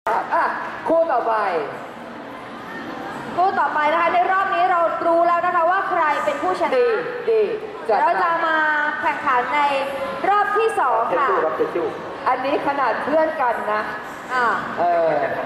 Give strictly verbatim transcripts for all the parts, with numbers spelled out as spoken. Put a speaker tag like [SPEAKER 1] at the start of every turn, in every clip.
[SPEAKER 1] อ่ะคู่ต่อไป
[SPEAKER 2] คู่ต่อไปนะคะในรอบนี้เรารู้แล้วนะคะว่าใครเป็นผู้ชนะ
[SPEAKER 1] ดีดีจัด
[SPEAKER 2] เราจะ
[SPEAKER 1] มา
[SPEAKER 2] มาแข่งขันในรอบที่สอง
[SPEAKER 1] เทช
[SPEAKER 2] ค่ะ
[SPEAKER 1] ชูครับเทชชูอันนี้ขนาดเพื่อนกันนะ
[SPEAKER 2] อ่า
[SPEAKER 1] เออ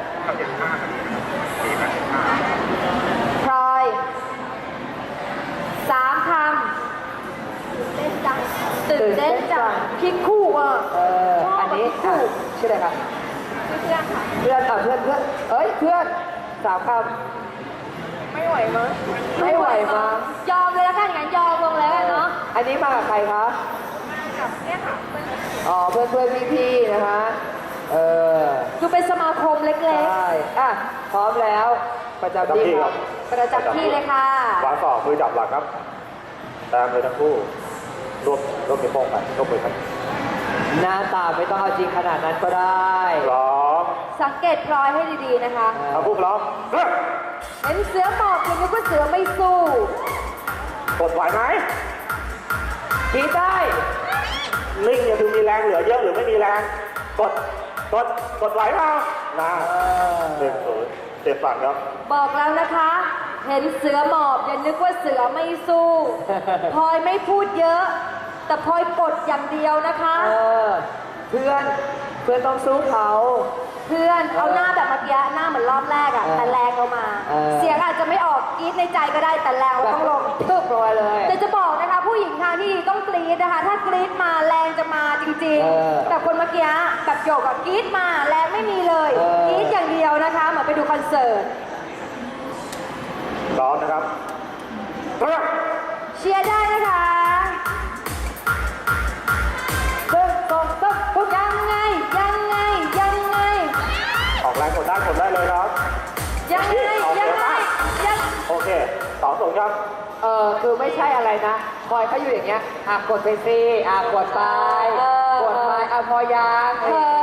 [SPEAKER 2] พลอยสามคำตื่นเต้นจังตื่นเต้นจังคิดคู่อ่ะ
[SPEAKER 1] เอออันนี้อ่ะชื่ออะไรครับ
[SPEAKER 2] เพื่อนค่ะ
[SPEAKER 1] เพื่อนอ่ะเพื่อนเพื่อนเอ้ยเพื่อนสามค
[SPEAKER 2] ไม่ไหวมั้ง
[SPEAKER 1] ำไม่ไหวมั้ง
[SPEAKER 2] ยอมเลยแล้วกันงั้นยอมลงแล้วกันเนาะ
[SPEAKER 1] อันนี้มากับใครคะ
[SPEAKER 2] กับเนี่ยค่ะ
[SPEAKER 1] อ๋อเพื่อนเพื่อนพี่พี่ๆนะคะเออ
[SPEAKER 2] ดูเป็นสมาคมเล็ก
[SPEAKER 1] ใช่อ่ะพร้อมแล้วประจำที่ครับ
[SPEAKER 2] ๆ ประจำที่เลยค่ะ
[SPEAKER 3] วางศอกมือจับหลักครับตามเลยทั้งคู่รวบรวบนิ้วโป้งไปรวบมือกัน
[SPEAKER 1] หน้าตาไม่ต้องเอาจริงขนาดนั้นก็ได้
[SPEAKER 3] พร้อม
[SPEAKER 2] สังเกตพลอยให้ดีๆนะคะ
[SPEAKER 3] ทั้งคู่พร้อมเริ่ม
[SPEAKER 2] เห็นเสือหมอบยังนึกว่าเสือไม่สู้
[SPEAKER 3] กดไหวไหม
[SPEAKER 1] คิดได้
[SPEAKER 3] ลิงอย่าดูมีแรงเหลือเยอะหรือไม่มีแรงกดกดกดไหวเปล่านะ
[SPEAKER 1] เออ
[SPEAKER 3] หนึ่งศูนย์เจ็บฝั่งครับ
[SPEAKER 2] บอกแล้วนะคะ เห็นเสือหมอบอย่านึกว่าเสือไม่สู้พลอยไม่พูดเยอะ แต่พลอยกดอย่างเดียวนะคะ
[SPEAKER 1] เออเพื่อนเพื่อนต้องสู้เขา
[SPEAKER 2] เพื่อนเอาหน้าแบบเมื่อกี้หน้าเหมือนรอบแรกอะ
[SPEAKER 1] เออ
[SPEAKER 2] แต่แรงเรามา
[SPEAKER 1] เออ
[SPEAKER 2] เสียงอาจจะไม่ออกกรี๊ดในใจก็ได้แต่แรงเราต้องลง
[SPEAKER 1] ตึ๊บลงไปเลย
[SPEAKER 2] แต่จะบอกนะคะผู้หญิงทางที่ดีต้องกรี๊ดนะคะ ถ้ากรี๊ดมาแรงจะมาจริง
[SPEAKER 1] เออ
[SPEAKER 2] ๆ แต่คนเมื่อกี้แบบโยกกับกรี๊ดมาแรงไม่มีเลย
[SPEAKER 1] เออ
[SPEAKER 2] กรี๊ดอย่างเดียวนะคะเหมือนไปดูคอนเสิร์ต
[SPEAKER 3] พร้อมนะครับเริ่ม
[SPEAKER 2] เชียร์ได้นะคะ
[SPEAKER 1] ตึ๊บสองตึ๊บปุ๊บ
[SPEAKER 2] ยังไงยังไงยังไง
[SPEAKER 3] ออกแรงกดได้กดได้เลยครับ
[SPEAKER 2] ยังไงยังไงยัง
[SPEAKER 3] โอเคสองศูนย์ครับ
[SPEAKER 1] เออคือไม่ใช่อะไรนะคอยเขาอยู่อย่างเงี้ยอ่ะกดไปสิอ่ะกดไป
[SPEAKER 2] เออก
[SPEAKER 1] ดไปอ่ะพอยัง
[SPEAKER 2] เออ